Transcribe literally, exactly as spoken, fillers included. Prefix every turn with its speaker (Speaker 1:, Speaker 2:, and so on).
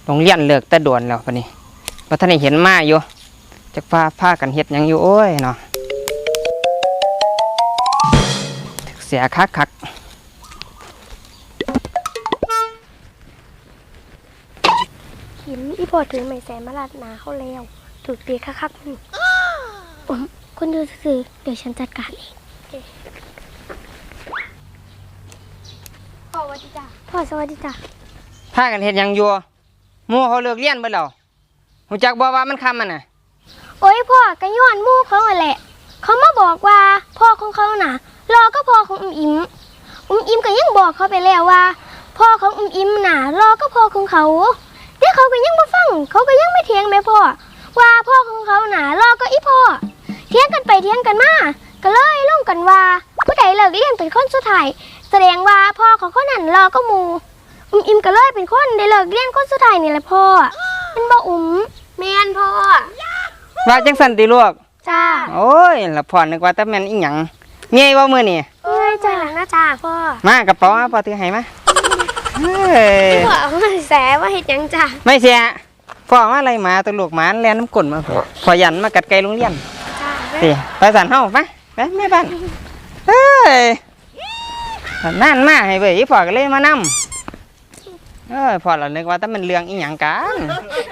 Speaker 1: โรงเรียนเลิกแต่ด่วนแล้วปะนี่ว่าท่านเห็นมาอยู่จักพาพากันเฮ็ดยังอยู่โอ้ยเนาะเสียคักคัก
Speaker 2: หินอีพอถือไม้แสนมาลาดหนาเขาแล้วถูกตีคักๆนี่ผมคุณดูสื่อเดี๋ยวฉันจัดการเองพ่อสวัสดีจ้ะพ่อสวัสดีจ้ะ
Speaker 1: พากันเฮ็ดยังอยู่หมู่เขาเลิกเรียนไปแล้วหูจักบ่ว่ามันคำมันน่ะ
Speaker 2: โอ้ยพ่อกระย้อนมู่เขาแหละเขามาบอกว่าพ่อของเขาน่ะรอก็พ่อของอุ้มอิมอุ้มอิมก็ยังบอกเขาไปแล้วว่าพ่อของอุ้มอิมน่ะรอก็พ่อของเขาแต่เขาก็ยังไม่ฟังเขาก็ยังไม่เถียงแม่พ่อว่าพ่อของเขาน่ะรอก็อีพ่อเถียงกันไปเถียงกันมาก็เลยลงกันว่าผู้ใดเลิกเรียนเป็นคนสุดท้ายแสดงว่าพ่อของเขานั่นรอก็มูอุ้มอิมก็เลยเป็นคนได้เลิกเรียนคนสุดท้ายนี่แหละพ่อมันบ่อุ้มแม่นพ่อ
Speaker 1: ว่าจังสันติลูก
Speaker 2: จ้า
Speaker 1: โอ้ยละพ่อนึกว่าแต่แม่นอีหยังเมียบ่มื้อนี่
Speaker 2: เอ้ยจ้าหลังนะจ้าพ่อ
Speaker 1: มากระเป๋ามาพ่อถือให้มาเฮ้ย
Speaker 2: พ่อเอามาแสว่าเฮ็ดหยังจ้า
Speaker 1: ไม่เสียพ่อมาอะไรหมาตัวลูกหมาแล่นน้ำก้นมาพ่อยันมากัดไก่โรงเรียน
Speaker 2: จ้า
Speaker 1: สิไปสั่นเฮาไปไปแม่บ้านเฮ้ยนั่นมาให้เว้ยพ่อก็เลยมานำเอ้ยพ่อเรานึกว่าแต่มันเรื่องอีหยังกัน